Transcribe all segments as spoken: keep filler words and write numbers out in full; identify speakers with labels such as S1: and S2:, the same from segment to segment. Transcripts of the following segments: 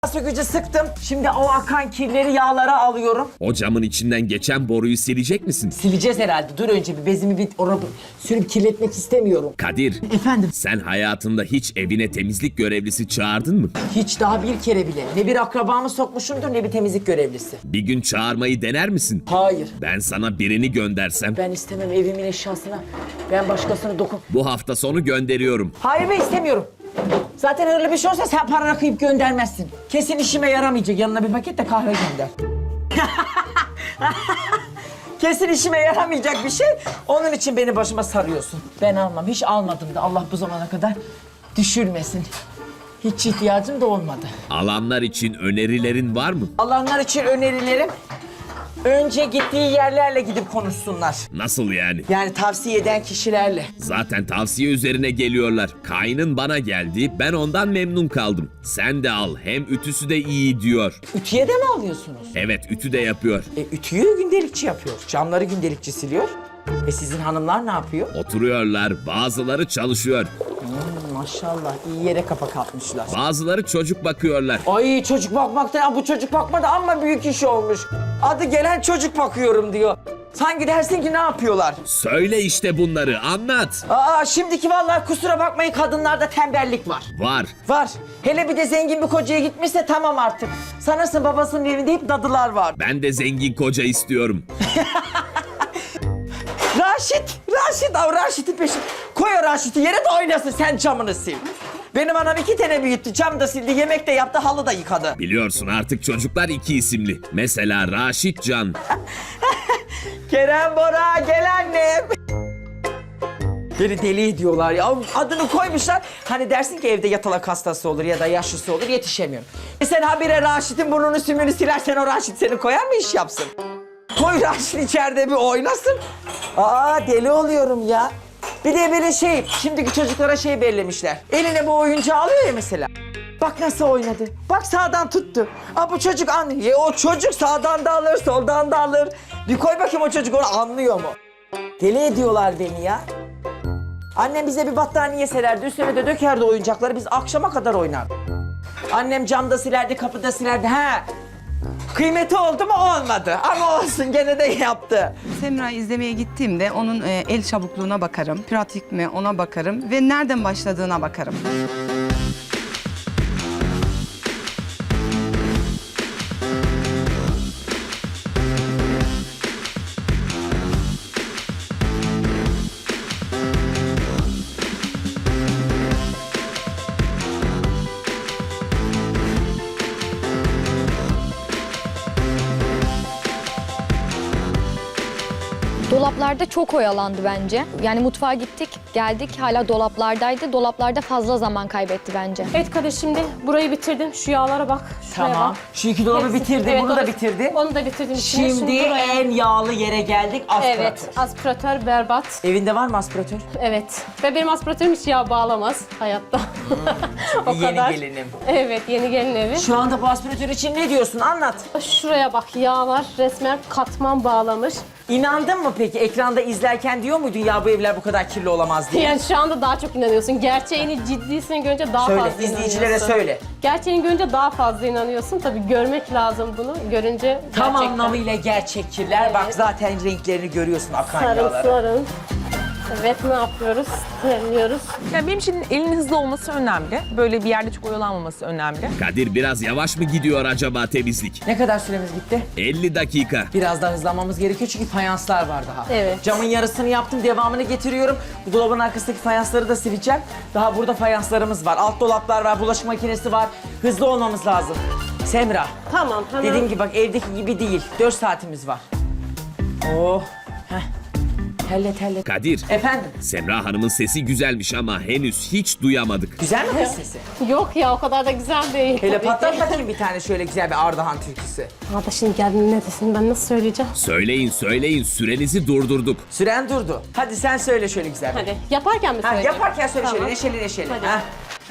S1: Sökücü sıktım. Şimdi o akan kirleri yağlara alıyorum.
S2: O camın içinden geçen boruyu silecek misin?
S1: Sileceğiz herhalde. Dur önce bir bezimi bir oraya sürüp kirletmek istemiyorum.
S2: Kadir,
S1: Efendim?
S2: sen hayatında hiç evine temizlik görevlisi çağırdın mı?
S1: Hiç daha bir kere bile. Ne bir akrabamı sokmuşumdur ne bir temizlik görevlisi.
S2: Bir gün çağırmayı dener misin?
S1: Hayır.
S2: Ben sana birini göndersem
S1: Ben istemem evimin eşyasına. Ben başkasına dokun.
S2: bu hafta sonu gönderiyorum.
S1: Hayır ben istemiyorum. Zaten öyle bir şey olsa sen paranı kıyıp göndermezsin. Kesin işime yaramayacak. Yanına bir paket de kahve gönder. Kesin işime yaramayacak bir şey. Onun için beni başıma sarıyorsun. Ben almam. Hiç almadım da Allah bu zamana kadar düşürmesin. Hiç ihtiyacım da olmadı.
S2: Alanlar için önerilerin var mı?
S1: Alanlar için önerilerim önce gittiği yerlerle gidip konuşsunlar.
S2: Nasıl yani?
S1: Yani tavsiye eden kişilerle.
S2: Zaten tavsiye üzerine geliyorlar. Kaynın bana geldi, ben ondan memnun kaldım. Sen de al, hem ütüsü de iyi diyor.
S1: Ütüye de mi alıyorsunuz?
S2: Evet, ütü de yapıyor.
S1: E, ütüyü gündelikçi yapıyor. Camları gündelikçi siliyor. E sizin hanımlar ne yapıyor?
S2: Oturuyorlar, bazıları çalışıyor.
S1: Hmm, maşallah iyi yere kapak atmışlar.
S2: Bazıları çocuk bakıyorlar.
S1: Ay çocuk bakmaktan bu çocuk bakma da amma büyük iş olmuş. Adı gelen çocuk bakıyorum diyor. Sanki dersin ki ne yapıyorlar?
S2: Söyle işte bunları, anlat.
S1: Aa şimdiki vallahi kusura bakmayın kadınlarda tembellik var.
S2: Var.
S1: Var. Hele bir de zengin bir kocaya gitmişse tamam artık. Sanırsın babasının evinde hep dadılar var.
S2: Ben de zengin koca istiyorum.
S1: Raşit, Raşit, av Raşit'in peşi. Koy o Raşit'i yere de oynasın, sen camını sil. Benim anam iki tane büyüttü, cam da sildi, yemek de yaptı, halı da yıkadı.
S2: Biliyorsun artık çocuklar iki isimli. Mesela Raşit Can.
S1: Kerem Bora, gel annem. Beni deli ediyorlar ya. Adını koymuşlar. Hani dersin ki evde yatalak hastası olur ya da yaşlısı olur, yetişemiyorum. E sen habire Raşit'in burnunu sümünü silersen o Raşit seni koyar mı iş yapsın? Koy Raşit içeride bir oynasın. Aa deli oluyorum ya. Bir de böyle şey, şimdiki çocuklara şey bellemişler. Eline bu oyuncağı alıyor ya mesela. Bak nasıl oynadı. Bak sağdan tuttu. Aa bu çocuk anlıyor. Ya, o çocuk sağdan da alır, soldan da alır. Bir koy bakayım o çocuk onu anlıyor mu? Deli ediyorlar beni ya. Annem bize bir battaniye sererdi, üstüne de dökerdi oyuncakları. Biz akşama kadar oynardık. Annem camda silerdi, kapıda silerdi. Ha. Kıymeti oldu mu olmadı ama olsun gene de yaptı.
S3: Semra'yı izlemeye gittiğimde onun e, el çabukluğuna bakarım, pratik mi ona bakarım ve nereden başladığına bakarım.
S4: Dolaplarda çok oyalandı bence. Yani mutfağa gittik, geldik hala dolaplardaydı. Dolaplarda fazla zaman kaybetti bence.
S5: Evet Kadir şimdi burayı bitirdim. Şu yağlara bak. Şuraya
S1: Tamam.
S5: bak.
S1: Şu iki dolabı
S5: Hepsi-
S1: bitirdi,
S5: evet,
S1: bunu da
S5: onu-
S1: bitirdi.
S5: Onu da bitirdim. içine.
S1: Şimdi
S5: buraya-
S1: en yağlı yere geldik, aspiratör.
S5: Evet, aspiratör berbat.
S1: Evinde var mı aspiratör?
S5: Evet. Ve benim aspiratörüm hiç yağ bağlamaz hayatta. o
S1: Yeni
S5: kadar.
S1: gelinim.
S5: Evet, yeni gelin evi.
S1: Şu anda bu aspiratör için ne diyorsun? Anlat.
S5: Şuraya bak, yağlar resmen katman bağlamış.
S1: İnandın mı peki? Ekranda izlerken diyor muydun ya bu evler bu kadar kirli olamaz diye?
S5: Yani şu anda daha çok inanıyorsun. Gerçeğini, ciddisini görünce daha
S1: Söyle,
S5: fazla
S1: izleyicilere
S5: inanıyorsun.
S1: söyle.
S5: Gerçeğini görünce daha fazla inanıyorsun. Tabii görmek lazım bunu. Görünce
S1: Tam
S5: gerçekten
S1: anlamıyla gerçek kirler. Bak zaten renklerini görüyorsun akan
S5: sarın
S1: yağlara.
S5: sarın. Evet, ne yapıyoruz? Terliyoruz.
S6: Yani benim için elin hızlı olması önemli. Böyle bir yerde çok oyalanmaması önemli.
S2: Kadir biraz yavaş mı gidiyor acaba temizlik?
S1: Ne kadar süremiz gitti?
S2: elli dakika.
S1: Biraz daha hızlanmamız gerekiyor çünkü fayanslar var daha.
S5: Evet.
S1: Camın yarısını yaptım, devamını getiriyorum. Bu dolabın arkasındaki fayansları da sileceğim. Daha burada fayanslarımız var. Alt dolaplar var, bulaşık makinesi var. Hızlı olmamız lazım. Semra,
S5: Tamam, hemen.
S1: dediğim gibi bak evdeki gibi değil. Dört saatimiz var. Oh, heh. Terle terle.
S2: Kadir,
S1: Efendim,
S2: Semra Hanım'ın sesi güzelmiş ama henüz hiç duyamadık.
S1: güzel mi kız sesi?
S5: Yok ya, o kadar da güzel değil.
S1: Hele
S5: tabii
S1: patlat
S5: ki.
S1: bakayım bir tane şöyle güzel bir Ardahan türküsü.
S5: Ama da şimdi geldin ne desin, ben nasıl söyleyeceğim?
S2: Söyleyin söyleyin, sürenizi durdurduk.
S1: Süren durdu. Hadi sen söyle şöyle güzel.
S5: Hadi, yaparken mi
S1: Ha,
S5: söyleyeceğim?
S1: yaparken söyle
S5: Tamam.
S1: şöyle neşeli neşeli.
S5: Hadi.
S1: Ha.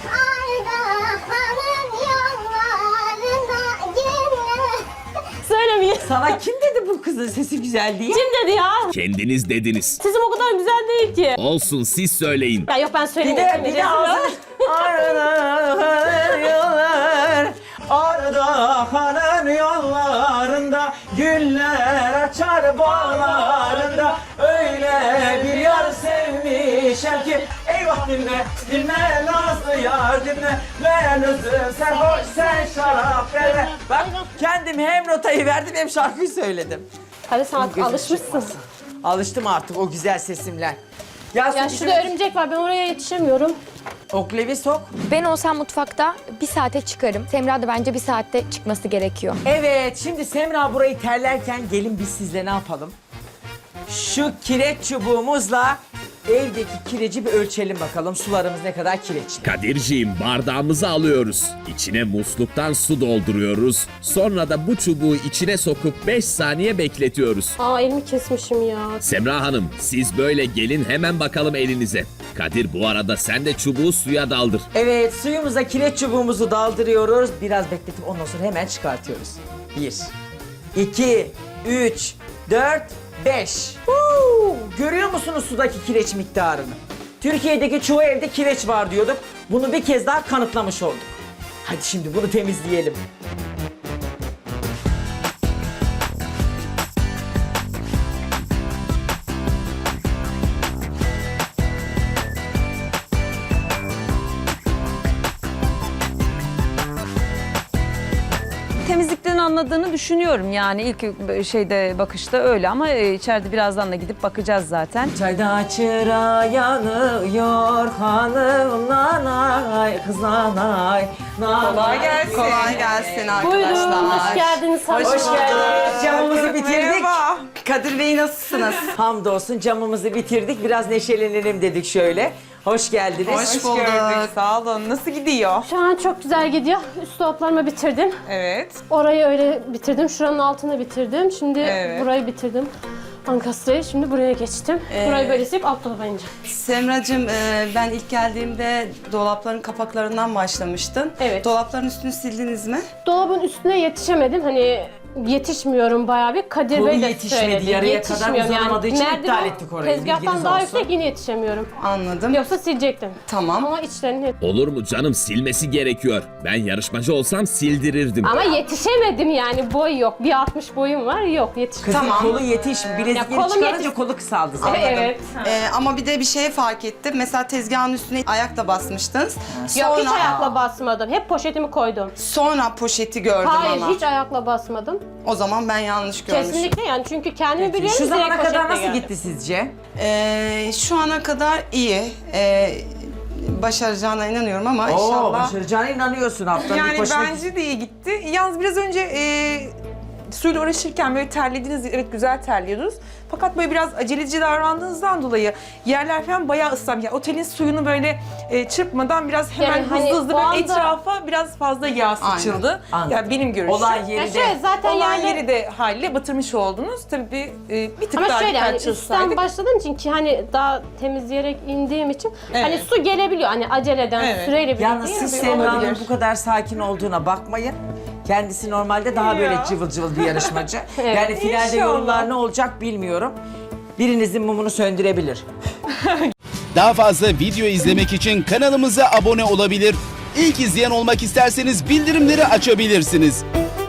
S7: Ardahan'ın yollarına gönül.
S5: Söylemeyin.
S1: Sana kim dedi bu kızın sesi güzel diye?
S5: Kim dedi ya?
S2: Kendiniz dediniz.
S5: Sesim o kadar güzel değil ki.
S2: Olsun, siz söyleyin.
S5: Ya yok ben
S1: Bir
S5: söyleyeyim.
S1: de bir de ağzını... Ardahan yollar. Ardahan'ın yollarında güller açar bağlarında. Öyle bir yar sevmişem ki eyvah dinle, dinle nazlı yar dinle. Ben özüm sen hoş sen şarap verme. Bak kendim hem notayı verdim hem şarkıyı söyledim.
S5: Hadi sen artık
S1: Gözüm
S5: alışmışsın.
S1: çıkmasın. Alıştım artık o güzel sesimle.
S5: Ya
S1: sen
S5: şurada örümcek var ben oraya yetişemiyorum.
S1: oklevi sok.
S4: Ben olsam mutfakta bir saate çıkarım. Semra da bence bir saatte çıkması gerekiyor.
S1: Evet, şimdi Semra burayı terlerken gelin biz sizle ne yapalım? Şu kireç çubuğumuzla evdeki kireci bir ölçelim bakalım. Sularımız ne kadar kireçli.
S2: Kadirciğim bardağımızı alıyoruz. İçine musluktan su dolduruyoruz. Sonra da bu çubuğu içine sokup beş saniye bekletiyoruz.
S5: Aa elimi kesmişim ya.
S2: Semra Hanım siz böyle gelin hemen bakalım elinize. Kadir bu arada sen de çubuğu suya daldır.
S1: Evet, suyumuza kireç çubuğumuzu daldırıyoruz. Biraz bekletip ondan sonra hemen çıkartıyoruz. Bir, iki, üç, dört, beş. Huu! Görüyor musunuz sudaki kireç miktarını? Türkiye'deki çoğu evde kireç var diyorduk. Bunu bir kez daha kanıtlamış olduk. Hadi şimdi bunu temizleyelim.
S8: Temizlikten anladığını düşünüyorum yani ilk şeyde bakışta öyle ama içeride birazdan da gidip bakacağız zaten.
S1: Çayda çıra yanıyor hanım nanay kız nanay.
S3: Kolay gelsin. Kolay gelsin arkadaşlar.
S5: Buyurun hoş geldiniz.
S1: Hoş geldiniz. Camımızı bitirdik.
S3: Merhaba. Kadir Bey nasılsınız?
S1: Hamdolsun camımızı bitirdik. Biraz neşelenelim dedik şöyle. Hoş geldiniz.
S3: Hoş bulduk.
S6: Sağ olun. Nasıl gidiyor?
S5: Şu an çok güzel gidiyor. Üst dolaplarımı bitirdim.
S6: Evet.
S5: Orayı öyle bitirdim. Şuranın altını bitirdim. Şimdi
S6: Evet.
S5: burayı bitirdim. Ankastrayı şimdi buraya geçtim. Burayı böyle silip alt dolaba ineceğim.
S3: Semracığım e, ben ilk geldiğimde dolapların kapaklarından başlamıştın.
S5: Evet.
S3: Dolapların üstünü sildiniz mi?
S5: Dolabın üstüne yetişemedim. Hani yetişmiyorum bayağı bir. Kadir
S1: Kolu
S5: Bey de
S1: yetişmedi,
S5: söyledi.
S1: yarıya kadar
S5: Yetişmiyorum
S1: uzanamadığı için
S5: merdiven
S1: iptal ettik orayı, bilginiz
S5: Tezgahtan daha
S1: olsun.
S5: yüksek yine yetişemiyorum.
S3: Anladım.
S5: Yoksa silecektim.
S3: Tamam.
S5: Ama içlerini hep...
S2: Olur mu canım silmesi gerekiyor. Ben yarışmacı olsam sildirirdim.
S5: Ama yetişemedim yani boy yok. bir altmış boyum var yok yetiş.
S1: Kızın
S3: Tamam.
S1: kolu yetiş. Bilezikleri
S5: kolum
S1: çıkarınca
S5: yetiş-
S1: kolu kısaldı zaten.
S5: Evet.
S3: E, ama bir de bir şey fark ettim. Mesela tezgahın üstüne ayakla basmıştınız.
S5: Yok hiç
S3: Sonra,
S5: ayakla basmadım. Hep poşetimi koydum.
S3: sonra poşeti gördüm
S5: Hayır
S3: ama.
S5: hiç ayakla basmadım.
S3: O zaman ben yanlış görmüşüm.
S5: Kesinlikle yani çünkü kendimi biliyorum.
S1: Şu
S5: direkt
S1: zamana kadar
S5: poşetle
S1: nasıl
S5: geldim.
S1: gitti sizce?
S3: E, şu ana kadar iyi. E, başaracağına inanıyorum ama
S1: Oo,
S3: inşallah.
S1: başaracağına inanıyorsun haftanın
S6: Yani
S1: ilk başına.
S6: bence de iyi gitti. Yalnız biraz önce e, suyla uğraşırken böyle terlediniz. Evet güzel terliyordunuz. Fakat böyle biraz aceleci davrandığınızdan dolayı yerler falan bayağı ıslanmış. Yani otelin suyunu böyle e, çırpmadan biraz hemen
S5: Yani
S6: hızlı
S5: hani
S6: hızlı
S5: o
S6: böyle
S5: anda-
S6: etrafa biraz fazla yağ sıçıldı.
S1: Anladım.
S6: Yani benim görüşüm.
S1: Olan
S5: Ya
S1: yeri
S5: şöyle
S1: de.
S5: zaten
S6: Olan
S5: yani...
S6: yeri de haliyle batırmış oldunuz. Tabii e, bir tık
S5: Ama
S6: daha
S5: şöyle
S6: dikkat
S5: hani üstten
S6: çalışsaydık.
S5: başladığım için ki hani daha temizleyerek indiğim için
S6: Evet.
S5: hani su gelebiliyor. Hani aceleden
S6: Evet.
S5: süreyle bir
S1: Yalnız siz
S6: bir
S1: Semra'nın
S6: olabilir.
S1: bu kadar sakin olduğuna bakmayın. Kendisi normalde daha böyle
S6: Ya.
S1: cıvıl cıvıl bir yarışmacı.
S5: Evet.
S1: Yani finalde
S6: İnşallah.
S1: yorumlar ne olacak bilmiyorum. Birinizin mumunu söndürebilir.
S9: Daha fazla video izlemek için kanalımıza abone olabilir. İlk izleyen olmak isterseniz bildirimleri açabilirsiniz.